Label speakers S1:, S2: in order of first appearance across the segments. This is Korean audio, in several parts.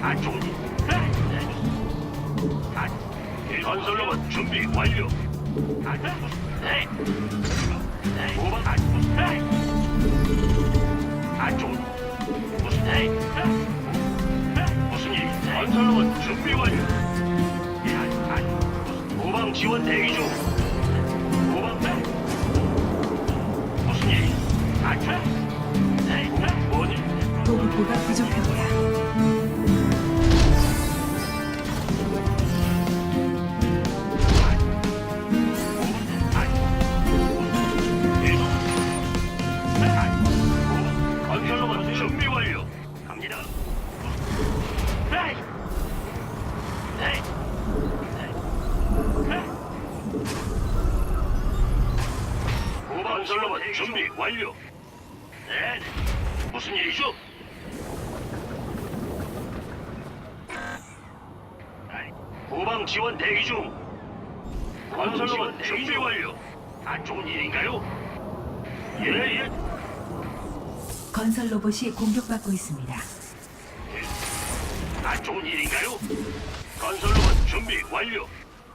S1: 안 좋은 일. 건설로봇 준비 완료. 네. 후방 안 좋은 일. 무슨 일? 건설로봇 준비 완료. 후방 지원 대기 중. 후방 무슨 일? 뭔 일?
S2: 보급고가 부족합니다.
S1: 건설로봇 준비 완료. 갑니다. 건설로봇 준비 완료. 네. 무슨 일이죠? 후방 지원 대기 중. 건설로봇 준비 완료. 안 좋은 일인가요? 예.
S2: 건설 로봇이 공격받고 있습니다.
S1: 안 좋은 일인가요? 건설로봇 준비 완료.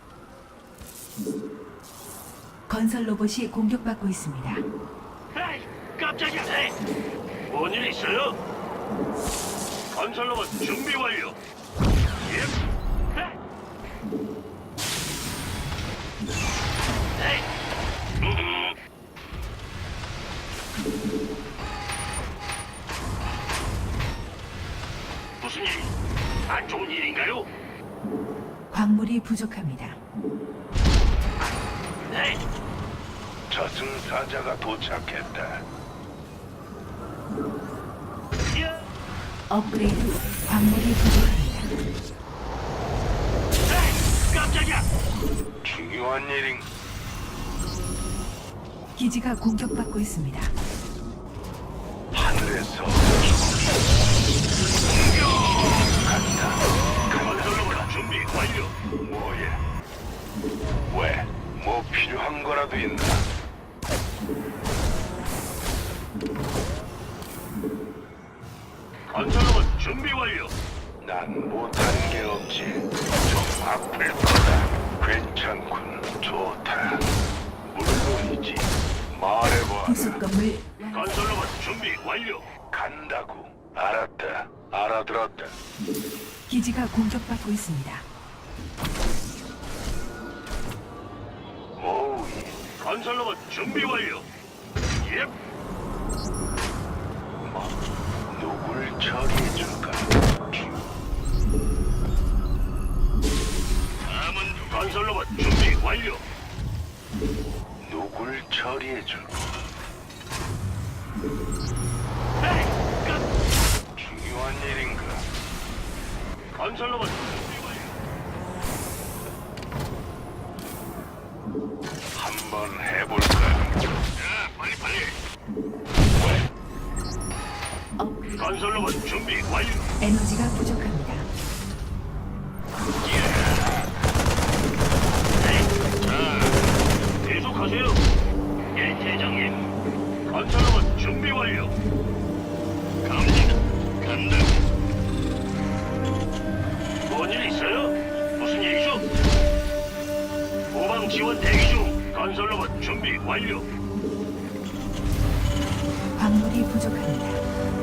S2: 건설 로봇이 공격받고 있습니다.
S1: 에이, 깜짝이야. 네. 뭔일 있어요? 건설로봇 준비 완료. 예. 네. 무슨 일? 안 좋은 일인가요?
S2: 광물이 부족합니다.
S1: 네.
S3: 저승사자가 도착했다.
S1: 예.
S2: 업그레이드 광물이 부족합니다.
S1: 에이, 깜짝이야.
S3: 중요한 일인
S2: 기지가 공격받고 있습니다.
S3: 하늘에서
S1: 건설로봇 준비 완료.
S3: 뭐야? 왜? 뭐 필요한 거라도 있나?
S1: 건설로봇 준비 완료.
S3: 난 못한 게 없지. 좀 아플 거다. 괜찮군. 좋다. 물론이지. 말해봐.
S2: 부속 건물
S1: 건설로봇 준비 완료.
S3: 간다고. 알았다. 알아들었다.
S2: 기지가 공격받고 있습니다.
S3: 오우,
S1: 건설로봇 준비 완료. 예.
S3: 뭐, 누굴 처리해줄까?
S1: 다음은 건설로봇 준비 완료.
S3: 누굴 처리해줄까?
S1: 에이, 깜.
S3: 중요한 일인가?
S1: 건설로봇 준비 완료.
S3: 한번 해볼까?
S1: 자, 빨리.
S2: 업그레이드
S1: 건설로봇 준비 완료.
S2: 에너지가 부족합니다.
S1: 자, 계속하세요. 예, 대장님. 건설로봇 준비 완료. 갑니다. 간다. 뭔일 있어요? 무슨 일이죠? 후방 지원 대기 중. 건설로봇 준비 완료.
S2: 광물이 부족합니다.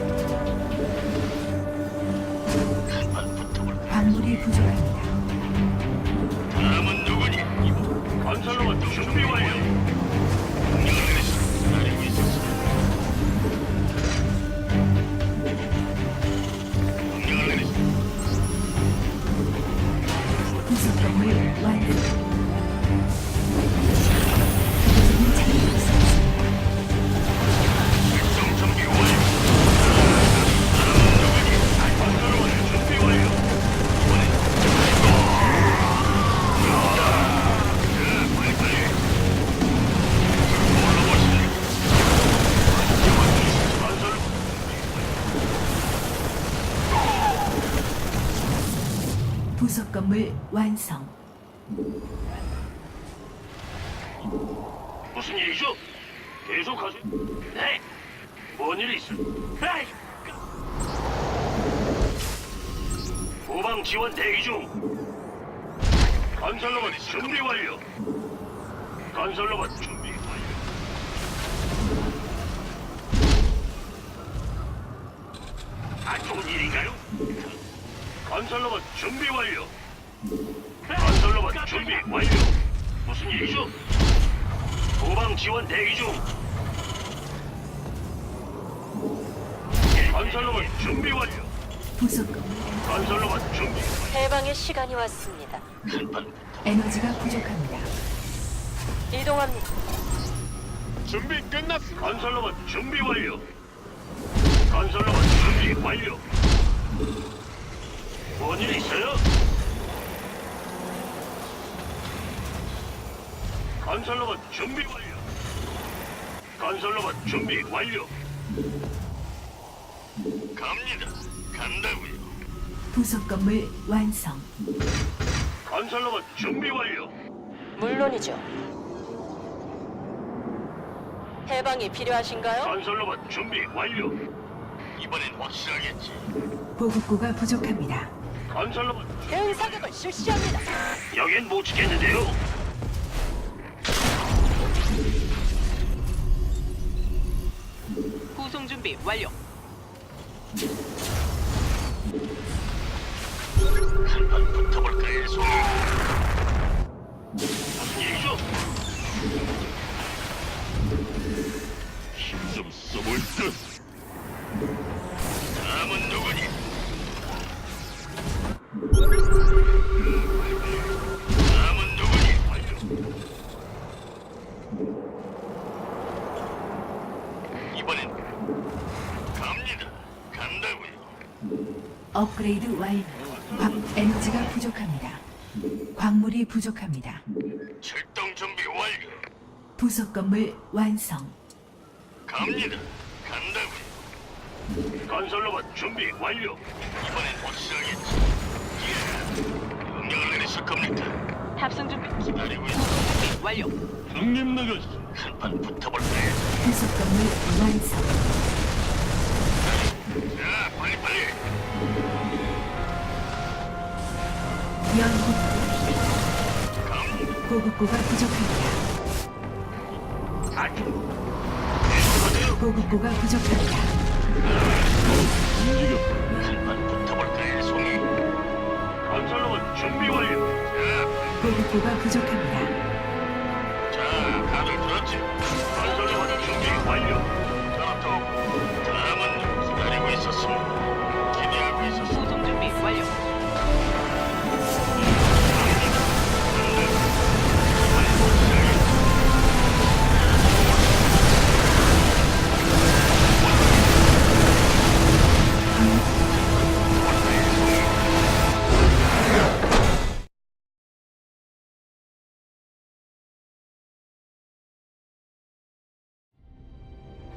S2: 광물이 부족합니다.
S1: 다음은 누구니? 건설로봇 준비 완료. 명령을 내리시. 기다리고 있었어. 명령을 내리시.
S2: 부속 건물 완성. 부속이 잘되고 있습니다.
S1: 작전 준비 완료. 건설로봇 준비 완료. 빨리. 건설
S2: 부속 건물 완성.
S1: 무슨 일이죠? 계속하세요. 네. 뭔 일이 있어? 에이! 후방 지원 대기 중. 건설로봇 준비 완료. 건설로봇 준비 완료. 안 좋은 일인가요? 건설로봇 준비 완료. 건설로봇 준비 완료. 무슨 일이죠? 후방 지원 대기 중. 건설로봇 준비 완료.
S2: 부속 건물
S1: 건설로봇 준비.
S4: 해방의 시간이 왔습니다.
S1: 한판
S2: 에너지가 부족합니다.
S4: 이동합니다.
S1: 준비 끝났습니다. 건설로봇 준비 완료. 건설로봇 준비 완료. 뭔일 있어요? 건설로봇 준비 완료. 건설로봇 준비 완료. 갑니다. 간다고요.
S2: 부속 건물 완성.
S1: 건설로봇 준비 완료.
S4: 물론이죠. 해방이 필요하신가요?
S1: 건설로봇 준비 완료. 이번엔 확실하겠지.
S2: 보급고가 부족합니다.
S1: 건설로봇
S4: 대응 사격을 실시합니다.
S1: 여긴 못 지켰는데요.
S5: 구송 준비 완료.
S1: 한판 붙어볼까요, 송이? 무슨 일이죠? 힘 좀 써볼 듯. 다음은 누구니? 다음은 누구니? 이번엔 갑니다. 간다고요.
S2: 업그레이드 완료. 에너지가 부족합니다. 광물이 부족합니다.
S1: 출동 준비 완료.
S2: 부속 건물 완성.
S1: 갑니다. 간다고요. 건설로봇 준비 완료. 이번엔 확실하겠지. 예. 명령을 내리실 겁니까?
S5: 탑승 준비
S1: 기다리고 있어.
S5: 준비 완료.
S1: 형님 나가시. 한판 붙어볼까요?
S2: 부속 건물 완성.
S1: 자, 빨리.
S2: 연구
S1: 갑니다.
S2: 보급고가 부족합니다.
S1: 아주. 계속하세요.
S2: 보급고가 부족합니다.
S1: 한판 붙어볼까요, 송이? 건설로봇 준비 완료.
S2: 보급고가 부족합니다.
S1: 자, 다들 들었지? 건설로봇 준비 완료.